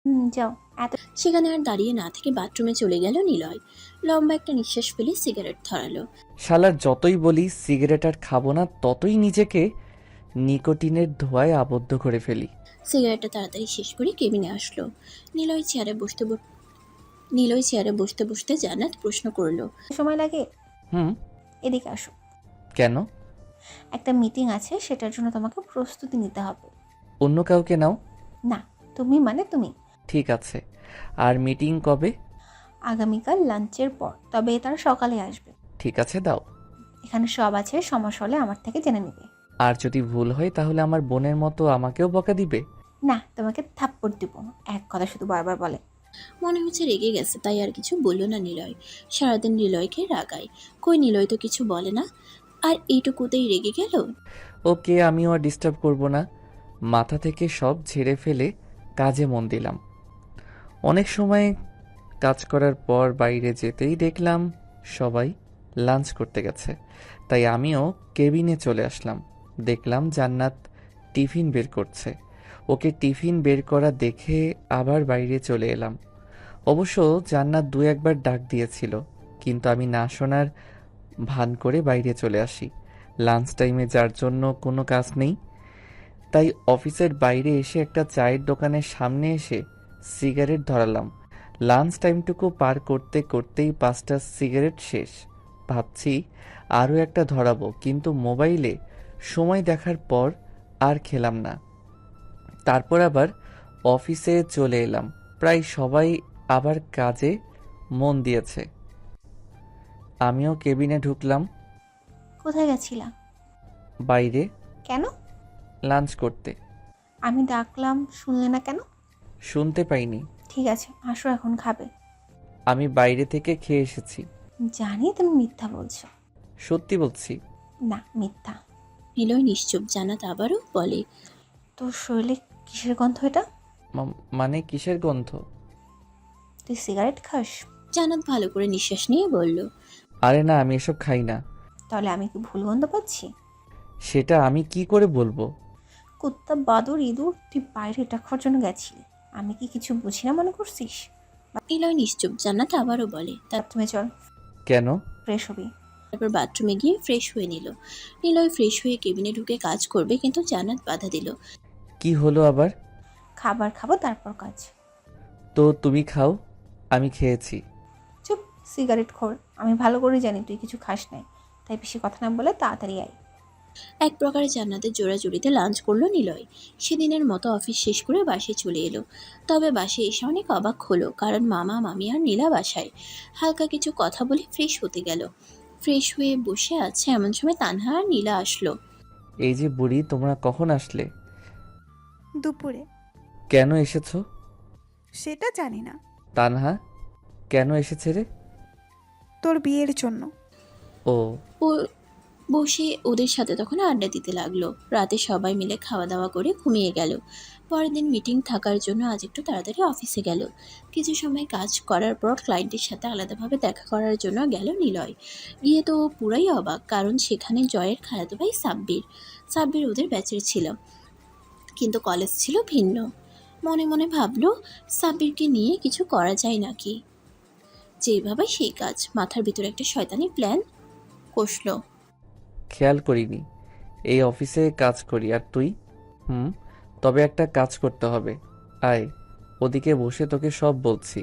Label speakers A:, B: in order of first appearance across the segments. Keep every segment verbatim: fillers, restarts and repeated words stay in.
A: হুম, যাও। এত
B: সেখানে আর দাঁড়িয়ে না থেকে বাথরুমে চলে গেল নিলয়। লম্বা একটা নিঃশ্বাস ফেলে সিগারেট ধরালো।
C: শালার যতই বলি সিগারেট আর খাবো না, ততই নিজেকে নিকোটিনের ধোঁয়ায় আবদ্ধ করে ফেলি।
B: সিগারেটটা তাড়াতাড়ি শেষ করে কেবিনে আসলো। নিলয় চেয়ারে বসতে ব- নিলয় চেয়ারে বসতে বসতে জান্নাত প্রশ্ন করলো।
A: সময় লাগে?
C: হুম।
A: এদিকে আসো।
C: কেন?
A: একটা মিটিং আছে, সেটার জন্য তোমাকে প্রস্তুতি নিতে হবে।
C: অন্য কাউকে নাও।
A: না, তুমি মানে তুমি।
C: ঠিক আছে। আর মিটিং কবে?
A: আগামীকাল লাঞ্চের পর, তবে তারা সকালে আসবে।
C: ঠিক আছে, দাও।
A: এখানে সব আছে, সমস্যা হলে আমার থেকে জেনে নেবে।
C: আর যদি ভুল হয় তাহলে আমার বোনের মতো আমাকেও বকা দিবে?
A: না, তোমাকে থাপ্পড় দিব। এক কথা শুধু বারবার বলে।
B: মনে হচ্ছে রেগে গেছে, তাই আর কিছু বলল না নিলয়। সারাদিন নিলয়কে রাগায়, কই নিলয় তো কিছু বলে না, আর এইটুকুতেই রেগে গেল।
C: ওকে, আমিও আর ডিস্টার্ব করব না। মাথা থেকে সব ঝেড়ে ফেলে কাজে মন দিলাম। অনেক সময় কাজ করার পর বাইরে যেতেই দেখলাম সবাই লাঞ্চ করতে গেছে, তাই আমিও কেবিনে চলে আসলাম। দেখলাম জান্নাত টিফিন বের করছে। ওকে টিফিন বের করা দেখে আবার বাইরে চলে এলাম। অবশ্য জান্নাত দু একবার ডাক দিয়েছিল, কিন্তু আমি না শোনার ভান করে বাইরে চলে আসি। লাঞ্চ টাইমে যার জন্য কোনো কাজ নেই, তাই অফিসের বাইরে এসে একটা চায়ের দোকানের সামনে এসে সিগারেট ধরালাম। লাঞ্চ টাইমটুকু পার করতে করতেই পাঁচটা সিগারেট শেষ। ভাবছি আরও একটা ধরাবো, কিন্তু মোবাইলে সময় দেখার পর আর খেলাম না। তারপর আবার অফিসে চলে এলাম। প্রায় সবাই আবার কাজে মন দিয়েছে। আমিও কেবিনে ঢুকলাম।
A: কোথায় গেছিলা? বাইরে। কেন?
C: লাঞ্চ করতে।
A: আমি ডাকলাম, শুনলে না কেন?
C: শুনতে পাইনি।
A: ঠিক আছে, আসো, এখন খাবে।
C: আমি বাইরে থেকে খেয়ে এসেছি।
A: জানি তুমি মিথ্যা বলছো।
C: সত্যি বলছি।
A: না, মিথ্যা।
B: নিলয় নিশ্চুপ। জান্নাত আবারও বলে।
A: তোর শরীরে কিসের গন্ধ এটা?
C: মা- মানে কিসের গন্ধ?
A: তুই সিগারেট খাস?
B: জান্নাত ভালো করে নিঃশ্বাস নিয়ে বলল।
C: আরে না, আমি এসব খাই না।
A: তাহলে আমি কি ভুল গন্ধ পাচ্ছি?
C: সেটা আমি কি করে বলবো?
A: কুত্তা, বাদর, ইঁদুর, তুই বাইরে এটা খাওয়ার জন্য গেছিলি। আমি কি কিছু বুঝি না মনে করছিস?
B: নিলয় নিশ্চুপ। জান্নাত আবারও বলে।
A: তুমি চল,
C: কেন?
A: ফ্রেশ হবি।
B: তারপর বাথরুমে গিয়ে ফ্রেশ হয়ে নিল। নিলয় ফ্রেশ হয়ে কেবিনে ঢুকে কাজ করবে, কিন্তু জান্নাত বাধা দিল।
C: কি হলো আবার?
A: খাবার খাবো, তারপর কাজ।
C: তো তুমি খাও, আমি খেয়েছি।
A: চুপ, সিগারেট খোর। আমি ভালো করে জানি তুই কিছু খাস নাই, তাই বেশি কথা না বলে তাড়াতাড়ি আয়।
B: এক প্রকারে জান্নাতের জোড়াজুড়িতে লাঞ্চ করলো নিলয়। সেদিনের মতো অফিস শেষ করে বাসে চলে এলো। তবে বাসে এসে অনেক অবাক হলো, কারণ মামা মামি আর নীলা বাসায়। হালকা কিছু কথা বলে ফ্রেশ হতে গেল। ফ্রেশ হয়ে বসে আছে এমন সময় তানহা আর নীলা আসলো।
C: এই যে বুড়ি, তোমরা কখন আসলে?
D: দুপুরে।
C: কেন এসেছো?
D: সেটা জানি না।
C: তানহা কেন এসেছে রে?
D: তোর বিয়ের জন্য।
C: ও।
B: ও বসে ওদের সাথে তখন আড্ডা দিতে লাগলো। রাতে সবাই মিলে খাওয়া দাওয়া করে ঘুমিয়ে গেল। পরের দিন মিটিং থাকার জন্য আজ একটু তাড়াতাড়ি অফিসে গেল। কিছু সময় কাজ করার পর ক্লায়েন্টের সাথে আলাদাভাবে দেখা করার জন্য গেল নিলয়। গিয়ে তো ও পুরাই অবাক, কারণ সেখানে জয়ের খালাতো ভাই সাব্বির। সাব্বির ওদের ব্যাচের ছিল, কিন্তু কলেজ ছিল ভিন্ন। মনে মনে ভাবলো, সাব্বিরকে নিয়ে কিছু করা যায় নাকি। যেভাবে সেই কাজ, মাথার ভিতরে একটা শয়তানি প্ল্যান কষলো।
C: খেয়াল করিনি। এই অফিসে কাজ করি, আর তুই? হুম। তবে একটা কাজ করতে হবে। আয়, ওদিকে বসে তোকে সব বলছি।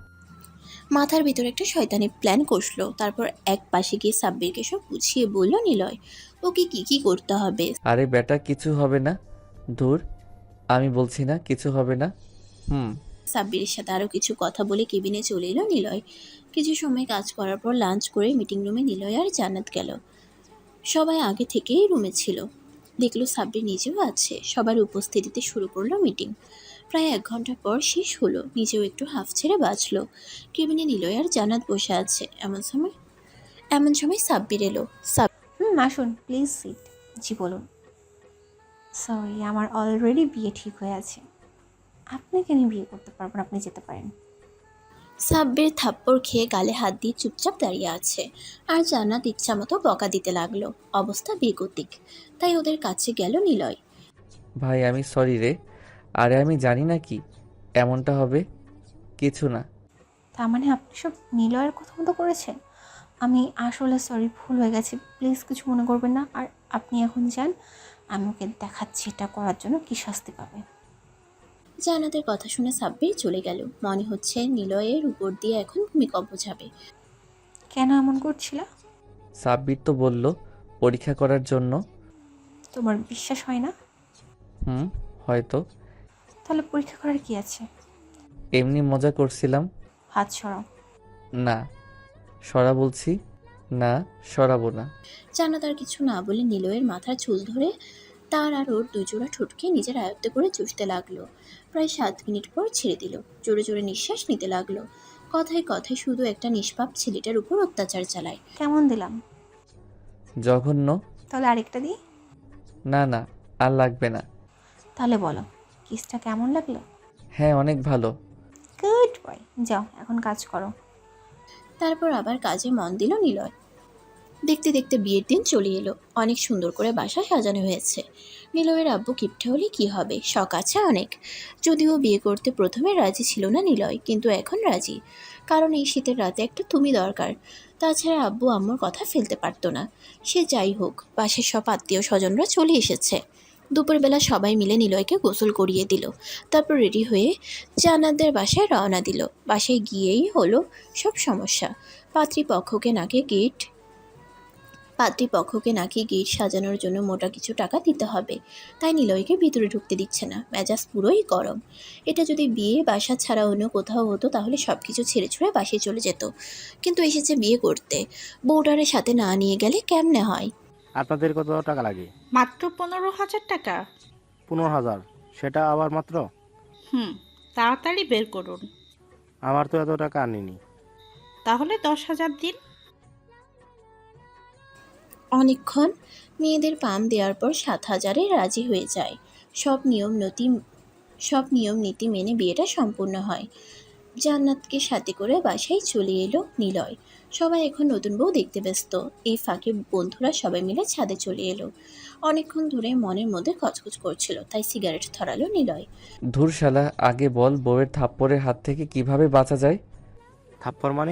B: মাথার ভিতরে একটা শয়তানি প্ল্যান কষলো। তারপর এক পাশে গিয়ে সাব্বিরকে সব বুঝিয়ে বলল নিলয়, ওকে কি কি করতে হবে।
C: আরে বেটা, কিছু হবে না। ধুর, আমি বলছি না কিছু হবে না। হুম।
B: সাব্বিরের সাথে আরও কিছু কথা বলে কেবিনে চলে এলো নিলয়। কিছু সময় কাজ করার পর লাঞ্চ করে মিটিং রুমে নিলয় আর জান্নাত গেল। সবাই আগে থেকেই রুমে ছিল। দেখলো সাব্বির নিজেও আছে। সবার উপস্থিতিতে শুরু করলো মিটিং। প্রায় এক ঘন্টা পর শেষ হলো। নিজেও একটু হাফ ছেড়ে বাঁচলো। কেবিনে নিলয় আর জান্নাত বসে আছে। এমন সময় এমন সময় সাব্বির এলো।
A: হুম, আসুন প্লিজ, সিট। জি বলুন। সরি, আমার অলরেডি বিয়ে ঠিক হয়ে আছে। আপনাকে আমি বিয়ে করতে পারবো না, আপনি যেতে পারেন।
B: সাব্বির থাপ্পড় খেয়ে গালে হাত দিয়ে চুপচাপ দাঁড়িয়ে আছে। আর জান্নাত ইচ্ছা মতো বকা দিতে লাগলো। অবস্থা বেগতিক। তাই ওদের কাছে গেল নিলয়।
C: ভাই আমি সরি রে। আরে আমি জানি না কি, এমনটা হবে? কিছু না।
A: তার মানে আপনি সব নিলয়ের কথা মতো করেছেন? আমি আসলে সরি, ভুল হয়ে গেছে, প্লিজ কিছু মনে করবেন না। আর আপনি এখন যান, আমি ওকে দেখাচ্ছি এটা করার জন্য কী শাস্তি পাবে।
B: জান্নাতের কথা শুনে সাব্বির চলে গেল। মনে হচ্ছে নিলয়ের উপর দিয়ে এখন ভূমিকম্প যাবে।
A: কেন এমন করছিল?
C: সাব্বির তো বলল পরীক্ষা করার জন্য।
A: তোমার বিশ্বাস হয় না?
C: হুম, হয়তো।
A: তাহলে পরীক্ষা করার কি আছে?
C: এমনি মজা করছিলাম।
A: হাত সরাও।
C: না, সরা বলছি। না, সরাবো না।
B: জান্নাত আর কিছু না বলে নিলয়ের মাথার চুল ধরে তার আর ওর দুজোড়া ঠোঁটকে নিজের আয়ত্তে করে চুষতে লাগলো। প্রায় সাত মিনিট পর ছেড়ে দিল। জোরে জোরে নিঃশ্বাস নিতে লাগলো। কথায় কথায় শুধু একটা নিষ্পাপ ছেলেটার উপর অত্যাচার চালায়।
A: কেমন দিলাম?
C: জঘন্য।
A: তাহলে আরেকটা দিই?
C: না না, আর লাগবে না।
A: তাহলে বলো, কিসটা কেমন লাগলো?
C: হ্যাঁ, অনেক ভালো।
A: গুড বয়, যাও এখন কাজ করো।
B: তারপর আবার কাজে মন দিল নিলয়। দেখতে দেখতে বিয়ের দিন চলে এলো। অনেক সুন্দর করে বাসা সাজানো হয়েছে। নিলয়ের আব্বু কিপটে হলে কি হবে, শখ আছে অনেক। যদিও বিয়ে করতে প্রথমে রাজি ছিল না নিলয়, কিন্তু এখন রাজি। কারণ এই শীতের রাতে একটা তুমি দরকার। তাছাড়া আব্বু আম্মুর কথা ফেলতে পারতো না। সে যাই হোক, পাশের সব আত্মীয় স্বজনরা চলে এসেছে। দুপুরবেলা সবাই মিলে নিলয়কে গোসল করিয়ে দিল। তারপর রেডি হয়ে জান্নাতদের বাসায় রওনা দিল। বাসায় গিয়েই হলো সব সমস্যা। পাত্রীপক্ষকে নাকি গিট পাত্রীপক্ষকে নাকি গেট সাজানোর জন্য মোটা কিছু টাকা দিতে হবে। তাই নিলয়কে ভিতরে ঢুকতে দিচ্ছে না। মেজাজ পুরোই গরম। এটা যদি বিয়ে বাসা ছাড়া অন্য কোথাও হতো তাহলে সব কিছু ছেড়ে ছুড়ে বাসায় চলে যেত। কিন্তু এসেছে বিয়ে করতে, বউটারের সাথে না নিয়ে গেলে কেমনে হয়?
E: আপনাদের কত টাকা লাগে?
F: মাত্র পনেরো হাজার টাকা।
E: পনেরো হাজার? সেটা আবার মাত্র?
F: হুম, তাড়াতাড়ি বের করুন।
E: আমার তো এত টাকা আনিনি।
F: তাহলে দশ হাজার দিন।
B: অনেকক্ষণ মেয়েদের পাম দেওয়ার পর সাত হাজারে রাজি হয়ে যায়। সব নিয়ম নীতি সব নিয়ম নীতি মেনে বিয়েটা সম্পূর্ণ হয়। জান্নাতকে সাথে করে বাসায় চলে এলো নিলয়। সবাই এখন নতুন বউ দেখতে ব্যস্ত। এই ফাঁকে বন্ধুরা সবাই মিলে ছাদে চলে এলো। অনেকক্ষণ ধরে মনের মধ্যে খচখচ করছিল, তাই সিগারেট ধরালো নিলয়।
C: ধুর শালা, আগে বল বউয়ের থাপ্পড়ের হাত থেকে কিভাবে বাঁচা যায়?
E: থাপ্পড় মানে?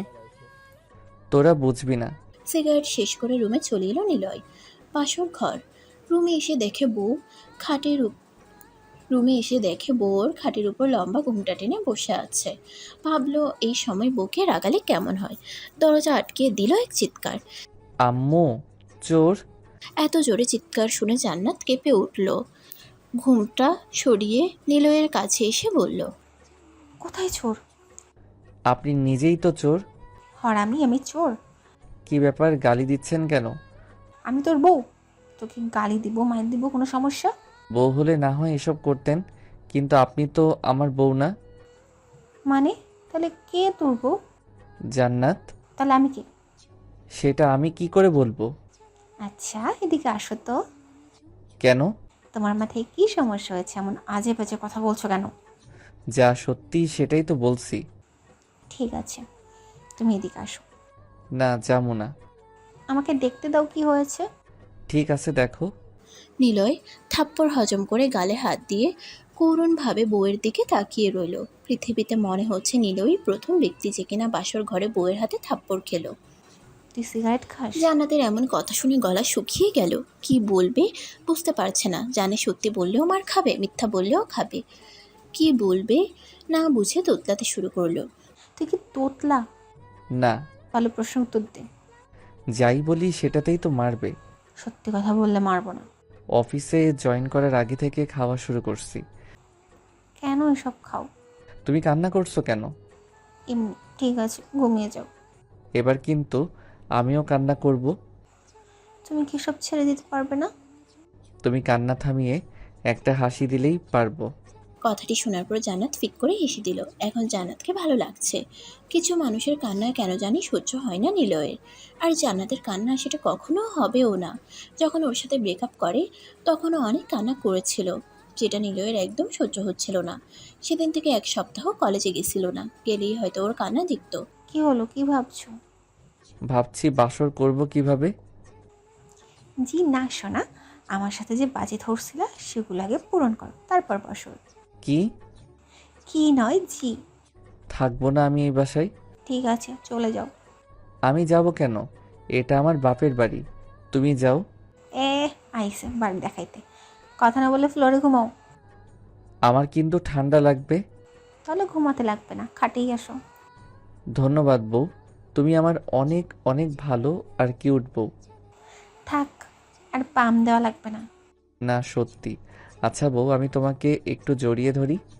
C: তোরা বুঝবি না।
B: সিগারেট শেষ করে রুমে চলে এলো নিলয়। পাশর ঘর। রুমে এসে দেখে বউ খাটের উপ- রুমে এসে দেখে বউর খাটের উপর লম্বা ঘুমটা টেনে বসে আছে। ভাবলো এই সময় বউকে রাগালে কেমন হয়। দরজা আটকে দিল এক চিৎকার।
C: আম্মু, চোর!
B: এত জোরে চিৎকার শুনে জান্নাত কেঁপে উঠল। ঘুমটা সরিয়ে নিলয়ের কাছে এসে বলল,
A: কোথায় চোর?
C: আপনি নিজেই তো চোর।
A: হরামি, আমি চোর?
C: কি ব্যাপার, গালি দিচ্ছেন কেন?
A: আমি তোর বউ, তোকে গালি দিব মায়ের দিব কোনো সমস্যা?
C: বউ হলে না হয় এসব করতেন, কিন্তু আপনি তো আমার বউ না।
A: মানে তাহলে কে তোর বউ?
C: জান্নাত।
A: তাহলে আমি কে?
C: সেটা আমি কি করে বলবো?
A: আচ্ছা এদিকে আসো তো।
C: কেন?
A: তোমার মাথায় কি সমস্যা হয়েছে, এমন আজে বাজে কথা বলছো কেন?
C: যা সত্যি সেটাই তো বলছি।
A: ঠিক আছে, তুমি এদিকে আসো।
C: না, যাবো না।
A: আমাকে দেখতে দাও কি হয়েছে।
C: ঠিক আছে, দেখো।
B: নিলয় থাপ্পড় হজম করে গালে হাত দিয়ে করুণভাবে বউয়ের দিকে তাকিয়ে রইল। পৃথিবীতে মনে হচ্ছে নিলয়ই প্রথম ব্যক্তি যে কিনা বাসর ঘরে বউয়ের হাতে থাপ্পড় খেলো।
A: তুই সিগারেট খাস?
B: জান্নাতের এমন কথা শুনে গলা শুকিয়ে গেল। কি বলবে বুঝতে পারছে না। জানে সত্যি বললেও মার খাবে, মিথ্যা বললেও খাবে। কি বলবে না বুঝে তোতলাতে শুরু করলো।
A: তুই কি তোতলা?
C: না,
A: ভালো প্রশ্ন উত্তর দে।
C: যাই বলি সেটাতেই তো মারবে।
A: সত্যি কথা বললে মারবো না।
C: অফিসে জয়েন করার আগে থেকে খাওয়া শুরু করছি।
A: কেন এসব খাও?
C: তুমি কান্না করছো কেন?
A: এমনি। ঠিক আছে, ঘুমিয়ে যাও।
C: এবার কিন্তু আমিও কান্না করব।
A: তুমি কি সব ছেড়ে দিতে পারবে না?
C: তুমি কান্না থামিয়ে একটা হাসি দিলেই পারবো।
B: কথাটি শোনার পর জান্নাত ফিক করে হেসে দিল। এখন জান্নাতকে ভালো লাগছে। কিছু মানুষের কান্না কেন জানি সহ্য হয় না নিলয়ের। আর জান্নাতের কান্না সেটা কখনো হবেও না। যখন ওর সাথে ব্রেকআপ করে তখনও অনেক কান্না করেছিল, যেটা নিলয়ের একদম সহ্য হচ্ছিল না। সেদিন থেকে এক সপ্তাহ কলেজে গেছিল না। গেলেই হয়তো ওর কান্না দিত।
A: কি হলো, কি ভাবছো?
C: ভাবছি বাসর করব কিভাবে।
A: জি না শোনা, আমার সাথে যে বাজি ধরছিল সেগুলো আগে পূরণ করো, তারপর বসো।
C: কি?
A: কি নয় জি।
C: থাকবো না আমি এই বাসায়।
A: ঠিক আছে, চলে যাও।
C: আমি যাব কেন? এটা আমার বাপের বাড়ি। তুমি যাও।
A: এ আইসে বাড়ি দেখাইতে, কথা না বলে ফ্লোরে ঘুমাও।
C: আমার কিন্তু ঠান্ডা লাগবে।
A: তাহলে ঘুমাতে লাগবে না, খাটেই আসো।
C: ধন্যবাদ বউ, তুমি আমার অনেক অনেক ভালো আর কিউট বউ।
A: থাক, আর পাম দেওয়া লাগবে না।
C: না সত্যি। আচ্ছা বউ, আমি তোমাকে একটু জড়িয়ে ধরি।